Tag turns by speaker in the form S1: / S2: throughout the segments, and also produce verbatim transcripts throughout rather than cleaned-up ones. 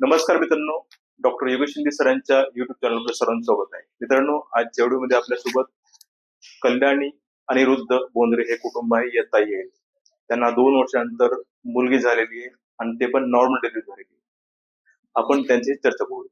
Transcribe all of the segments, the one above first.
S1: नमस्कार मित्रांनो, डॉक्टर योगेश शिंदे सरांच्या युट्यूब चॅनलवर सर्वांचं स्वागत आहे. मित्रांनो, आजच्या व्हिडिओमध्ये आपल्यासोबत कल्याणी अनिरुद्ध बोंद्रे हे कुटुंब आहे. येत आहे त्यांना दोन वर्षानंतर मुलगी झालेली आहे आणि ते पण नॉर्मल डिलिव्हरी झालेली आहे. आपण त्यांची चर्चा करू.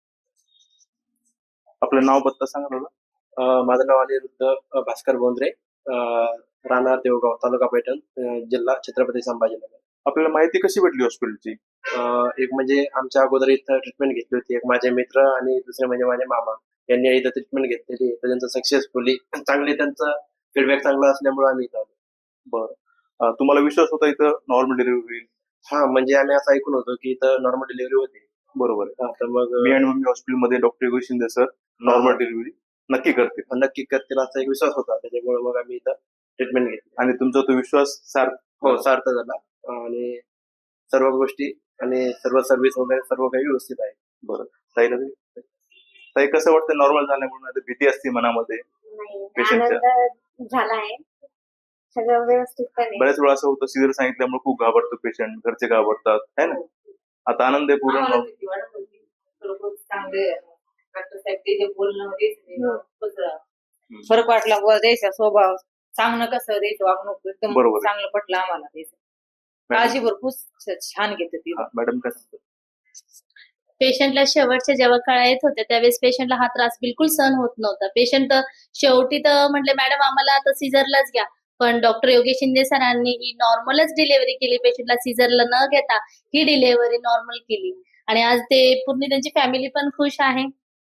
S1: आपलं नाव पत्ता सांगा दादा.
S2: अं, माझं नाव अनिरुद्ध अं, भास्कर बोंद्रे, अं, राहणार देवगाव, तालुका पैठण, अं, जिल्हा छत्रपती संभाजीनगर.
S1: आपल्याला माहिती कशी भेटली हॉस्पिटलची?
S2: अं, एक म्हणजे आमच्या अगोदर इथं ट्रीटमेंट घेतली होती, एक माझे मित्र आणि दुसरे म्हणजे माझे मामा यांनी इथं ट्रीटमेंट घेतलेली. तर त्यांचं सक्सेसफुली चांगली, त्यांचा फीडबॅक चांगला असल्यामुळे आम्ही इथं आलो.
S1: बरं, अं, तुम्हाला विश्वास होता इथं नॉर्मल डिलिव्हरी होईल?
S2: हा, म्हणजे आम्ही असं ऐकून होतो की इथं नॉर्मल डिलिव्हरी होते.
S1: बरोबर आहे.
S2: हा, तर मग
S1: मी आणि मम्मी हॉस्पिटलमध्ये doctor Yogesh Shinde sir normal delivery नक्की करते.
S2: नक्की करतील असा एक विश्वास होता, त्याच्यामुळे मग आम्ही इथं ट्रीटमेंट घेतली
S1: आणि तुमचा तो विश्वास सार्थ
S2: हो सार्थ झाला. आणि सर्व गोष्टी आणि सर्व सर्व्हिस वगैरे सर्व काही व्यवस्थित आहे.
S1: बरं, ताईला ताई कसं वाटतं नॉर्मल झाल्यामुळे? आता भीती असते मनामध्ये
S3: नाही,
S1: पेशंटच्या.
S3: आनंद झाला आहे. सगळं व्यवस्थितपणे.
S1: बऱ्याच वेळा असं होतं सिजर सांगितल्यामुळे खूप घाबरतो पेशंट, घरचे घाबरतात है ना. आता आनंद आहे पूर्ण.
S4: आम्हाला भीती वाटत होती. तर खूप चांगले डॉक्टर साहेब ते जे बोलणं होते ते खूपच फरक वाटला. व द्यायचा स्वभाव चांगलं, कसं द्यायचं वागणूक एकदम
S1: बरोबर आहे.
S4: चांगलं पटलं आम्हाला. त्याचं काळजी भरपूर छान घेते ती.
S1: हा, मॅडम कसं असतं?
S5: पेशंटला शेवटच्या जेव्हा काळा येत होत्या त्यावेळेस पेशंटला हा त्रास बिलकुल सहन होत नव्हता. पेशंट शेवटी तर म्हटले, मॅडम आम्हाला आता सिझरलाच घ्या. पण डॉक्टर योगेश शिंदे सरांनी ही नॉर्मलच डिलिव्हरी केली. पेशंटला सिझरला न घेता ही डिलिव्हरी नॉर्मल केली आणि आज ते पूर्ण त्यांची फॅमिली पण खुश आहे.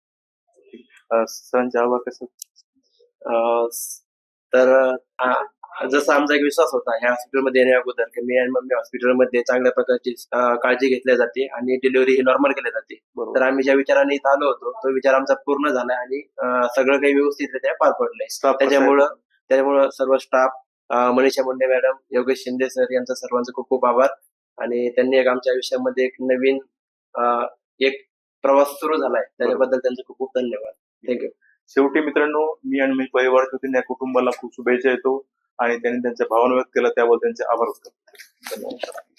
S1: अं, सरांच्या आवाज कसं?
S2: अं, तर अं, जसा आमचा एक विश्वास होता ह्या हॉस्पिटलमध्ये येण्या अगोदर की मी आणि मम्मी हॉस्पिटलमध्ये चांगल्या प्रकारची अं, काळजी घेतली जाते आणि डिलिव्हरी ही नॉर्मल केली जाते.
S1: बरोबर.
S2: तर आम्ही ज्या विचाराने इथं आलो होतो तो विचार आमचा पूर्ण झाला आणि अं, सगळं काही व्यवस्थितरित्या पार पडलंय.
S1: Staff कसा आहे?
S2: त्याच्यामुळं त्याच्यामुळं सर्व staff, Manisha Munde madam, Yogesh Shinde sir यांचा सर्वांचा खूप खूप आभार. आणि त्यांनी एक आमच्या आयुष्यामध्ये एक नवीन अं, एक प्रवास सुरू झालाय, त्याच्याबद्दल त्यांचे खूप खूप धन्यवाद. थँक्यू.
S1: शेवटी मित्रांनो, मी आणि मी परिवाराच्या वतीने या कुटुंबाला खूप शुभेच्छा देतो आणि त्यांनी त्यांच्या भावना व्यक्त केल्या त्याबद्दल त्यांचे आभार व्यक्त करतो. धन्यवाद.